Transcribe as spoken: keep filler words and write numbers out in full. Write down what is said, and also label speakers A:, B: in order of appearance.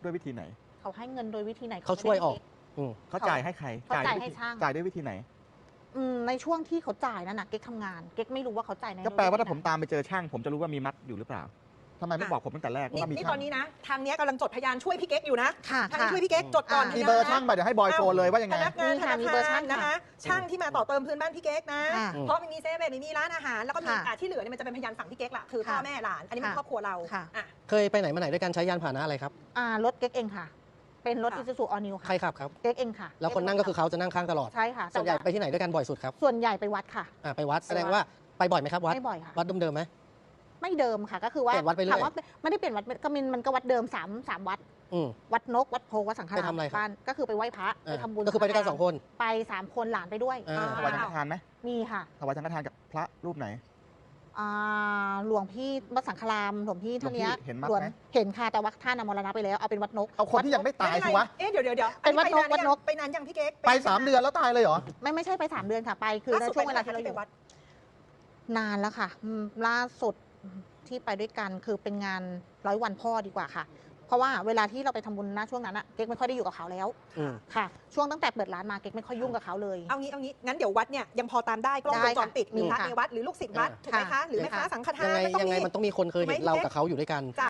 A: ด้วยวิธีไหน
B: เขาให้เงินโดยวิธีไหน
C: เขาช่วยออก
A: เขาจ่ายให้ใคร
B: เขาจ่ายให้ช่าง
A: จ่ายด้วยวิธีไหน
B: ในช่วงที่เขาจ่ายนั่นนะเก๊กทำงานเก๊กไม่รู้ว่าเขาจ่ายใน
A: ก็แปลว่าถ้าผมตามไปเจอช่างผมจะรู้ว่ามีมัดอยู่หรือเปล่าทำไมไม่บอกผมตั้งแต่แรกว่ามีช่าง
D: นี่ตอนนี้นะทางนี้กำลังจดพยานช่วยพี่เก๊กอยู่นะ
B: ค่ะ
D: ทางนี้ช่วยพี่เก๊กจดก่อน
A: มีเบอร์ช่างไปเดี๋ยวให้บอยโทรเลยว่ายังไง
D: พนักงานธนาคารนะคะช่างที่มาต่อเติมพื้นบ้านพี่เก๊กนะเพราะมันมีเซเว่นมีร้านอาหารแล้วก็มีที่เหลือเนี่ยมันจะเป็นพยานฝั่งพี่เก๊กละคือพ่อแม่หลานอันนี้มันครอบครัวเรา
C: เคยไปไหนมาไหนด้วยกันใช้ยานพาหนะอะไรครับ
B: รถเก๊กเองค่ะเป็นรถอิซูซูออนิวค่ะ
C: ใครขับครับ
B: เก๊กเองค่ะ
C: แล้วคนนั่งก็คือเขาจะนั่งข้างตลอด
B: ใช่ค่ะ
C: ส่วนใหญ่ไปที่ไหนด้วยกันบ่อยสุดครับ
B: ส่วนใหญ่ไปวัดค่ะ
C: ไปวัดแสดงว่าไปบ่อยไหมครับวัด
B: ไม่บ่อยค่ะ
C: วัดเดิมๆไหม
B: ไม่เดิมค่ะก็คือว่า
C: เปลี่ยนวัดไปเรื่อย
B: ถามว่าไม่ได้เปลี่ยนวัดก็มันมันก็วัดเดิมสามสามวัดวัดนกวัดโพวัดสังฆราชบ้านก็คือไปไหว้พระไปทำบุญ
C: ก็คือไปด้วยกันสองคน
B: ไปสามคนหลานไปด้วย
A: ถวายสังฆทานไหม
B: มีค่ะ
A: ถวายสังฆทานกับพระรูปไหน
B: หลวงพี่วัดสังฆรามหลวงพี่ท่านนี้
A: เห็นมั้ย
B: เห็นค่ะแต่ว่าท่านมรณะไปแล้วเอาเป็นวัดนก
A: เอาคนที่ยังไม่ตายสิวะ
D: เอ๊ะเดี๋ยวเดี๋ยวเดี๋ยว
B: เป็นวัดนกวัดนก
D: ไปนานยังพี่เก๊ก
A: ไปสามเดือนแล้วตายเลยเหรอ
B: ไม่ไม่ใช่ไปสามเดือนค่ะไปคือในช่วงเวลาที่เราอยู่นานแล้วค่ะล่าสุดที่ไปด้วยกันคือเป็นงานร้อยวันพ่อดีกว่าค่ะเพราะว่าเวลาที่เราไปทำบุญณช่วงนั้นอะเก๊กไม่ค่อยได้อยู่กับเขาแล้วค่ะช่วงตั้งแต่เปิดร้านมาเก๊กไม่ค่อยยุ่งกับเขาเลย
D: เอางี้เอางี้งั้นเดี๋ยววัดเนี่ยยังพอตามได้กล้องวงจรปิดมีพระในวัดหรือลูกศิษย์วัดถูกไหมคะหรือแม่ค้าสังฆทาน
C: ยังไงยังไงมันต้องมีคนเคยเห็นเรากับเขาอยู่ด้วยกัน